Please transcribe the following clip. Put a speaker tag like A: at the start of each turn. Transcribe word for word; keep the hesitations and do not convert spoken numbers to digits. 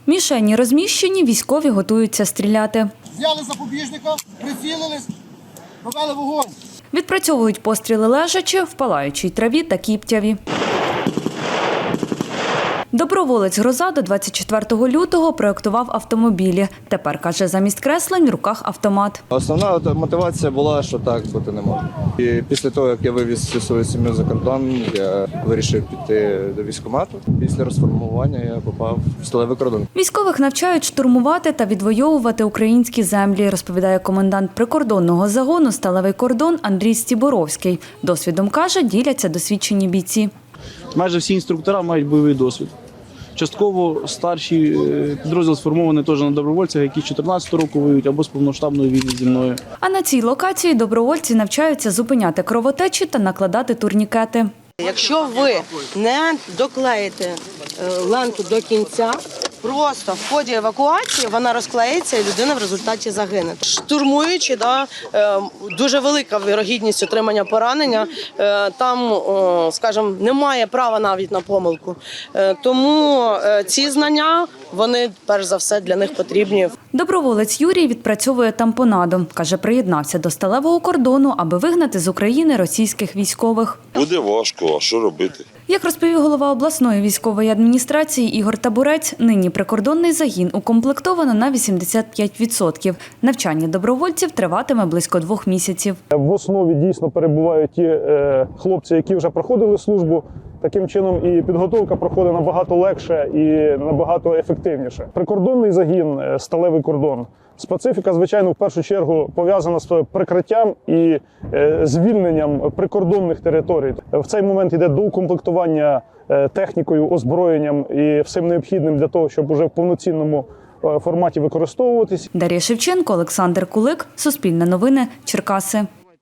A: Мішені розміщені, військові готуються стріляти.
B: Взяли запобіжника, прицілились, провели вогонь.
A: Відпрацьовують постріли лежачи, в палаючій траві та кіптяві. Доброволець «Гроза» до двадцять четвертого лютого проєктував автомобілі. Тепер, каже, замість креслень в руках автомат.
C: Основна мотивація була, що так бути не може. І після того, як я вивіз всю свою сім'ю за кордон, я вирішив піти до військкомату. Після розформування я попав в сталевий кордон.
A: Військових навчають штурмувати та відвоювати українські землі, розповідає комендант прикордонного загону «Сталевий кордон» Андрій Стіборовський. Досвідом, каже, діляться досвідчені бійці.
D: Майже всі інструктори мають бойовий досвід. Частково старші підрозділ сформований теж на добровольцях, які з чотирнадцятого року воюють або з повноштабної війни зі мною.
A: А на цій локації добровольці навчаються зупиняти кровотечі та накладати турнікети.
E: Якщо ви не доклеїте ленту до кінця, просто в ході евакуації вона розклеїться і людина в результаті загине. Штурмуючи, да, дуже велика вірогідність отримання поранення, там, скажімо, немає права навіть на помилку. Тому ці знання, вони, перш за все, для них потрібні.
A: Доброволець Юрій відпрацьовує тампонаду. Каже, приєднався до сталевого кордону, аби вигнати з України російських військових.
F: Буде важко, а що робити?
A: Як розповів голова обласної військової адміністрації Ігор Табурець, нині прикордонний загін укомплектовано на вісімдесят п'ять відсотків. Навчання добровольців триватиме близько двох місяців.
G: В основі дійсно перебувають ті е, хлопці, які вже проходили службу. Таким чином і підготовка проходить набагато легше і набагато ефективніше. Прикордонний загін, сталевий кордон. Специфіка, звичайно, в першу чергу пов'язана з прикриттям і е, звільненням прикордонних територій. В цей момент йде доукомплектування е, технікою, озброєнням і всім необхідним для того, щоб уже в повноцінному е, форматі використовуватись.
A: Дар'я Шевченко, Олександр Кулик, Суспільне новини, Черкаси.